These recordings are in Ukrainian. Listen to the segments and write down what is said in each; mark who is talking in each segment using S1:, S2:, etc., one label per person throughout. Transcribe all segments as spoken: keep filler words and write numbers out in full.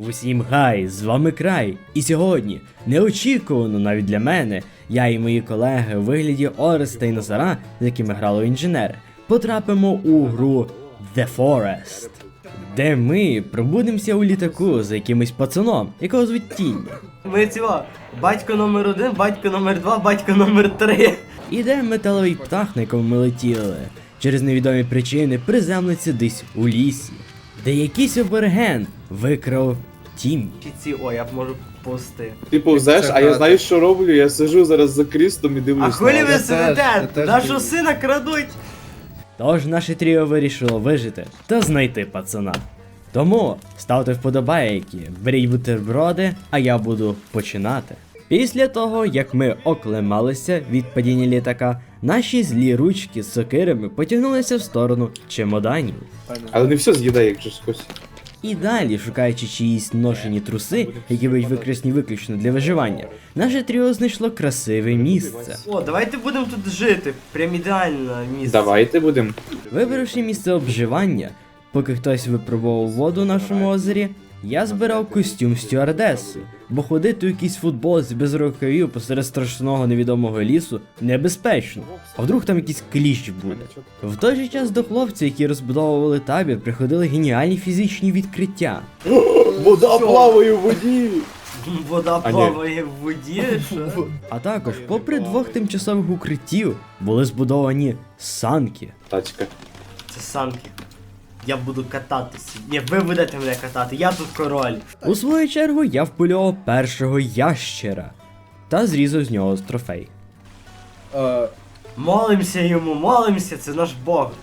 S1: Усім гай, з вами Край, і сьогодні, неочікувано навіть для мене, я і мої колеги у вигляді Ореста і Назара, з якими грали інженери, потрапимо у гру The Forest, де ми пробудемося у літаку за якимось пацаном, якого звуть Тінь.
S2: Ми цього, батько номер один, батько номер два, батько номер три.
S1: І де металовий птах, на якому ми летіли, через невідомі причини приземлиться десь у лісі, де якийсь абориген викрав Тіммі.
S2: Ці, о, я б можу повсти.
S3: Ти повзеш, а я знаю, що роблю, я сижу зараз за крістом і дивлюсь.
S2: А хвилі
S3: на
S2: ви
S3: вас.
S2: сидите? Нашого сина крадуть.
S1: Тож наше тріо вирішило вижити та знайти пацана. Тому ставте вподобайки, беріть бутерброди, а я буду починати. Після того, як ми оклемалися від падіння літака, наші злі ручки з сокирами потягнулися в сторону чемоданів.
S3: Але не все з'їдає, якщо щось.
S1: І далі, шукаючи чиїсь ношені труси, які будуть використані виключно для виживання, наше тріо знайшло красиве місце.
S2: О, давайте будемо тут жити. Прям ідеальне місце.
S3: Давайте будемо.
S1: Вибравши місце обживання, поки хтось випробував воду в нашому озері, я збирав костюм стюардеси, бо ходити у якійсь футболці без рукавів посеред страшного невідомого лісу небезпечно. А вдруг там якийсь кліщ буде? В той же час до хлопців, які розбудовували табір, приходили геніальні фізичні відкриття.
S3: Вода плаває в воді!
S2: Вода
S3: А, ні.
S2: плаває в воді, що?
S1: А також, попри двох тимчасових укриттів, були збудовані санки.
S3: Тачка.
S2: Це санки. Я буду кататися. Ні, ви будете мене катати, я тут король.
S1: У свою чергу я впольовував першого ящера та зрізав з нього трофей.
S4: Е,
S2: Молимося йому, молимося, це наш Бог.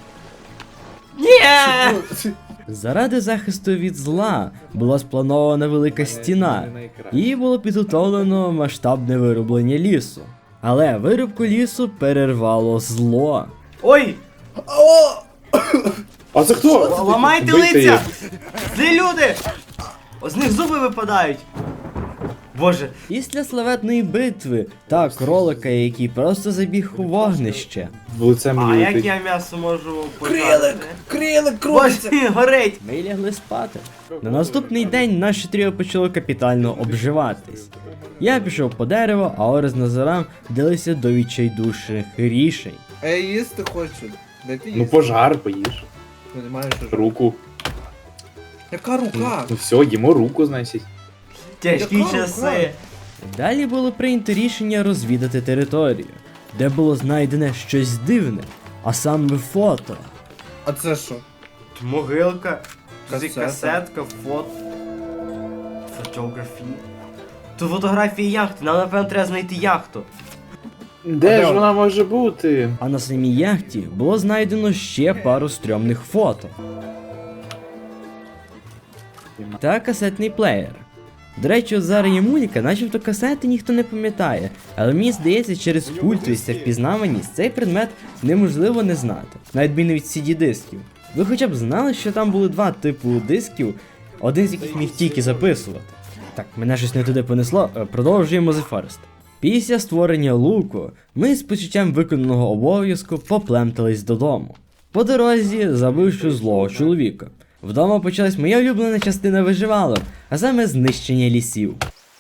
S2: Ні!
S1: Заради захисту від зла була спланована велика стіна, і було підготовлено масштабне вирублення лісу. Але вирубку лісу перервало зло.
S2: Ой!
S3: А це хто?
S2: Ламайте
S3: Бийте
S2: лиця!
S3: їх.
S2: Це люди! З них зуби випадають. Боже,
S1: Після славетної битви та кролика, який просто забіг у вогнище,
S3: В лице
S2: а
S3: мені
S2: як
S3: летить.
S2: я м'ясо можу
S4: Крилик!
S2: пожарити?
S4: Крилик крутиться!
S2: Боже, горить!
S1: ми лягли спати. На наступний день наше тріо почало капітально обживатись. Я пішов по дереву, а Орес з Назаром вдалися до відчайдушних рішень.
S4: А я їсти хочу. Дайте їсти.
S3: Ну пожар, поїж.
S4: Понимаєш, що ж.
S3: Руку.
S4: Яка рука?
S3: Ну все, їмо руку, значить.
S2: Тяжкі
S4: Яка
S2: часи.
S4: рука?
S1: Далі було прийнято рішення розвідати територію, де було знайдене щось дивне, а саме фото.
S4: А це що?
S2: Могилка,
S4: Касета.
S2: касетка, фото. Фотографії. Тут фотографії яхти, нам напевно треба знайти яхту.
S3: Де
S4: де
S3: ж
S4: вона?
S3: вона може бути?
S1: А на самій яхті було знайдено ще пару стрьомних фото. Та касетний плеєр. До речі, от зараз є мулька, начебто касети ніхто не пам'ятає, але мені здається, через культовість та впізнаваність цей предмет неможливо не знати, навіть від сі ді-дисків. Ви хоча б знали, що там були два типу дисків, один з яких міг тільки записувати. Так, мене щось не туди понесло, е, продовжуємо The Forest. Після створення луку, ми з почуттям виконаного обов'язку поплемтались додому. По дорозі забивши злого чоловіка. Вдома почалась моя улюблена частина виживалок, а саме знищення лісів.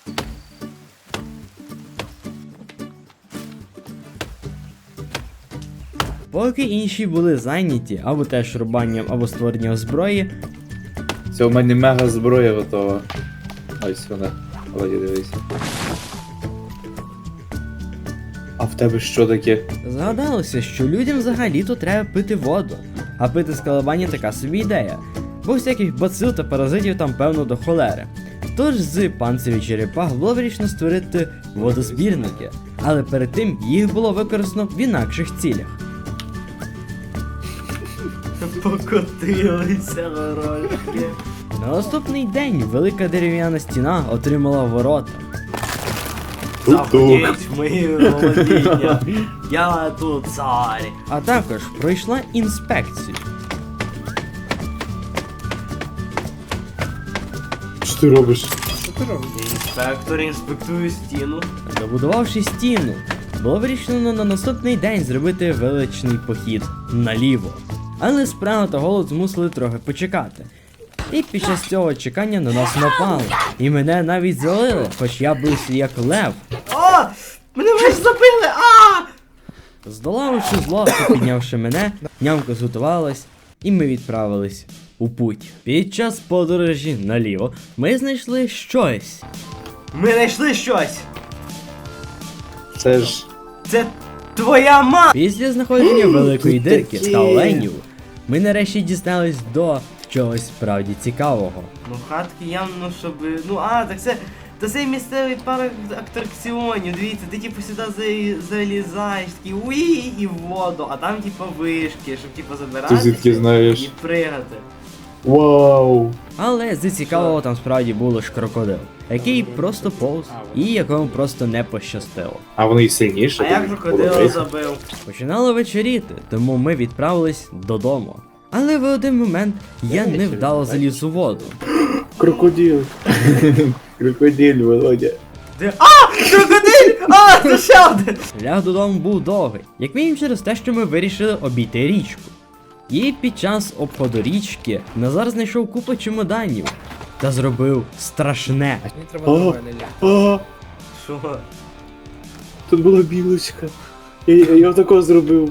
S1: Поки інші були зайняті або теж рубанням, або створенням зброї,
S3: Це у мене мега зброя готова. Ось вона. Володі, дивись. А в тебе що таке?
S1: згадалося, що людям взагалі-то треба пити воду, а пити з колебання така собі ідея, бо всяких бацил та паразитів там певно до холери. Тож з панцирів черепах було вирішено створити водозбірники, але перед тим їх було використано в інакших цілях.
S2: Покотилися горошки.
S1: На наступний день велика дерев'яна стіна отримала ворота.
S3: Тук-тук.
S2: Заходіть в мої володіння. Я тут цар.
S1: А також пройшла інспекцію.
S3: Що ти робиш?
S4: Що ти робиш?
S2: Інспектор інспектує стіну.
S1: Добудувавши стіну, було вирішено на наступний день зробити величний похід наліво. Але справа та голод змусили трохи почекати. І під час цього чекання на нас напали. І мене навіть залили, хоч я бився як лев.
S2: О! Мене вже забили! А!
S1: Здолавши зло та піднявши мене, нямка зготувалась, і ми відправились у путь. Під час подорожі наліво ми знайшли щось.
S2: Ми знайшли щось!
S3: Це ж.
S2: Це твоя ма!
S1: Після знаходження великої дирки та оленів, ми нарешті дістались до чогось справді цікавого.
S2: Ну хатки явно, щоб. Ну а, так це. Та це місцевий парк атракціонів, дивіться, ти типу сюди за- залізаєш, такий уї і в воду, а там типу вишки, щоб типу
S3: Ти
S2: забиратися
S3: звідки знаєш?
S2: і пригати.
S3: Вау!
S1: Але з цікавого там справді було ж крокодил, який просто повз і якому просто не пощастило.
S3: А вони й сильніші.
S2: А я
S3: тобі
S2: крокодила
S3: подобається?
S2: забив.
S1: Починало вечоріти, тому ми відправились додому. Але в один момент я невдало заліз у воду.
S3: Крокодил. Крокодил, Володя.
S2: Де. А! Крокодиль! А! Це ще один!
S1: Шлях додому був довгий, як мінімум через те, що ми вирішили обійти річку. І під час обходу річки Назар знайшов купу чемоданів та зробив страшне.
S4: Мені треба
S3: О.
S4: нормально ля.
S3: А,
S2: Що?
S3: тут була білочка. Я, я, я такого зробив.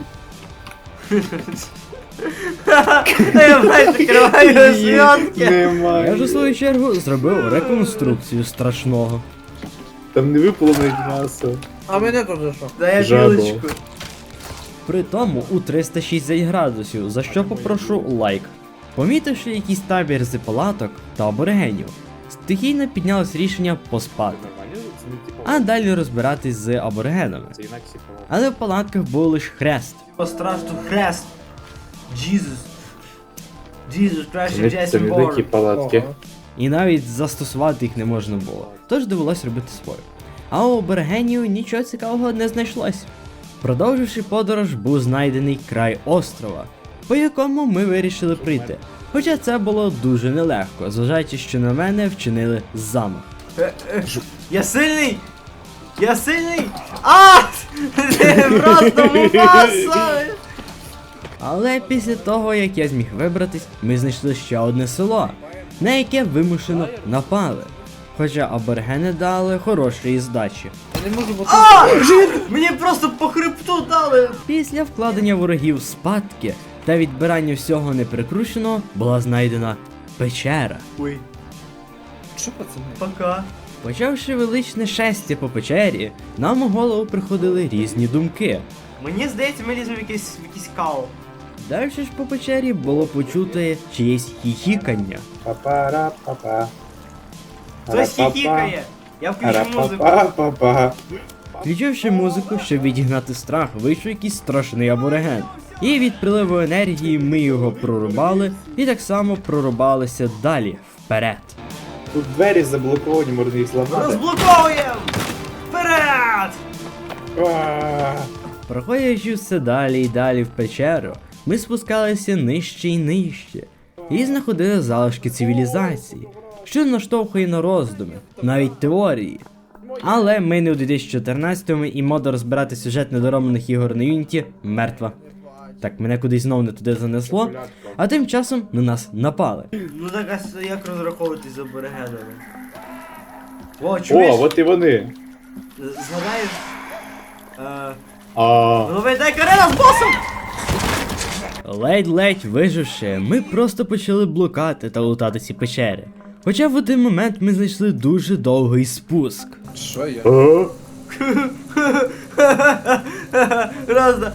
S2: Я бачу, закриваю зв'язки.
S1: Я
S3: Немає.
S1: ж у свою чергу зробив реконструкцію страшного.
S3: Там не випало навіть м'ясо.
S4: А мене тут за що?
S2: Дай
S3: Жабо.
S2: білочку.
S1: При тому у триста шістдесят градусів, за що попрошу лайк. Помітивши якийсь табір з палаток та аборигенів, стихійно піднялось рішення поспати, а далі розбиратись з аборигенами.
S3: Це інакше палата.
S1: Але в палатках був лише хрест.
S2: Пострашну хрест. Jesus. Jesus Christ
S3: Це
S2: and
S3: не- Це
S2: Jason
S3: не
S2: Bourne.
S3: такі палатки.
S4: Ого.
S1: І навіть застосувати їх не можна було. Тож довелось робити свою. А у аборигенів нічого цікавого не знайшлось. Продовживши подорож, був знайдений край острова, по якому ми вирішили прийти. Хоча це було дуже нелегко, зважаючи, що на мене вчинили замах.
S2: Е, е, Я сильний! Я сильний! А! Ти просто мупаса!
S1: Але після того, як я зміг вибратись, ми знайшли ще одне село, на яке вимушено напали. Хоча аборигени дали хорошої здачі.
S4: Я не можу бути.
S2: А! Мені просто по хребту дали!
S1: Після вкладення ворогів спадки та відбирання всього неприкрученого була знайдена печера.
S2: Ой,
S4: Що, пацани?
S2: пока.
S1: Почавши величне шестя по печері, нам у голову приходили різні думки.
S2: Мені здається, ми ліземо в якийсь, в якийсь кал.
S1: Далі ж по печері було почути чиєсь хіхікання.
S3: Па-пара-па-па.
S2: Хтось хіхікає. Я включу музику.
S3: Ара-па-па-па-па.
S1: Включивши музику, щоб відігнати страх, вийшов якийсь страшний абориген. І від приливу енергії ми його прорубали і так само прорубалися далі, вперед.
S3: Тут двері заблоковані, можна їх зламати.
S2: Розблоковуємо! Вперед!
S3: А,
S1: Проходячи все далі і далі в печеру, ми спускалися нижче і нижче, і знаходили залишки цивілізації, що наштовхує на роздуми, навіть теорії. Але ми не у дві тисячі чотирнадцятому і мода розбирати сюжет недороблених ігор на Юніті мертва. Так, мене кудись знов не туди занесло, а тим часом на нас напали.
S2: Ну так, а с- як розраховуватись з аборигенами? О, чуєш?
S3: О, от і вони.
S2: Згадаєш? Е,
S3: А,
S2: Голови, дай карена з босом!
S1: Ледь-ледь виживши, ми просто почали блукати та лутати ці печери. Хоча в один момент ми знайшли дуже довгий спуск.
S4: Що я?
S3: а,
S2: Разда.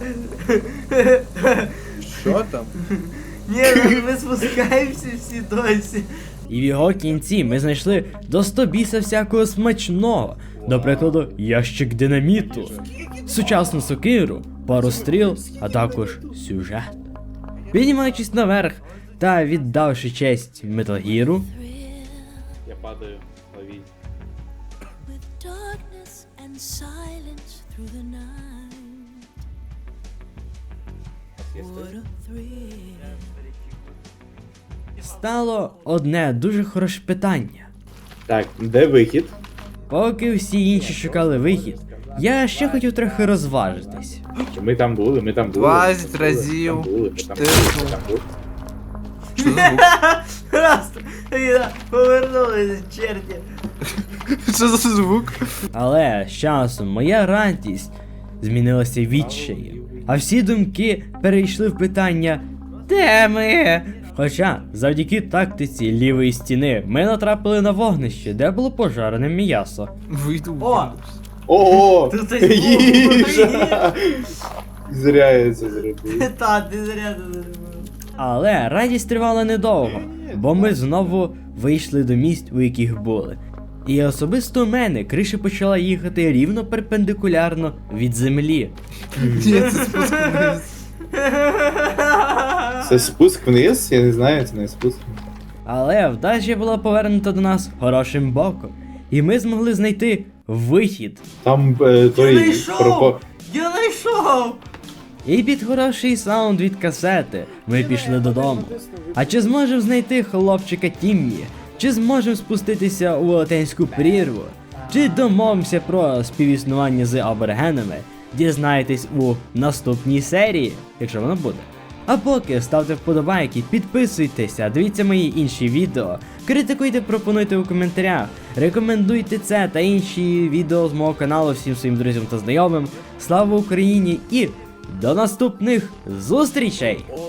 S4: Що там?
S2: Ні, ну, ми спускаємося всі досі.
S1: І в його кінці ми знайшли до сто біса всякого смачного. До прикладу, ящик динаміту, сучасну сокиру, пару стріл, а також сюжет. Піднімаючись наверх та віддавши честь Metal Gear,
S3: я падаю, ловіть.
S5: With darkness and silence through the night. What a thrill.
S1: стало одне дуже хороше питання.
S3: Так, де вихід?
S1: Поки всі інші шукали вихід, я ще хотів трохи розважитись.
S3: Ми там були, ми там були.
S4: двадцять
S3: ми там були,
S4: разів
S3: ми там були, ми там
S4: тиснув.
S3: були, ми там були.
S4: Що за звук?
S2: Просто я повернулися, черті.
S4: Що за звук?
S1: Але з часом моя радість змінилася відчаєм, а всі думки перейшли в питання «Де ми?». Хоча завдяки тактиці лівої стіни ми натрапили на вогнище, де було пожарене м'ясо.
S4: Вийду.
S2: О!
S3: Ого!
S2: Тут це звук.
S3: Їжа! Зря я це зробив.
S2: Та, ти зря це зробив.
S1: Але радість тривала недовго, бо ми знову вийшли до місць, у яких були. І особисто у мене криша почала їхати рівно перпендикулярно від землі.
S4: Ні, це спуск вниз.
S3: Це спуск вниз? Я не знаю, це не спуск.
S1: Але вдача була повернута до нас хорошим боком, і ми змогли знайти вихід.
S3: Там е,
S2: Я
S3: той
S2: знайшов!
S3: пропо...
S2: Я знайшов!
S1: І під хороший саунд від касети ми пішли додому. А чи зможемо знайти хлопчика Тіммі? Чи зможемо спуститися у велетенську прірву? Чи домовимося про співіснування з аборигенами? Дізнаєтесь у наступній серії, якщо воно буде. А поки ставте вподобайки, підписуйтеся, дивіться мої інші відео, критикуйте, пропонуйте у коментарях, рекомендуйте це та інші відео з мого каналу всім своїм друзям та знайомим. Слава Україні і до наступних зустрічей!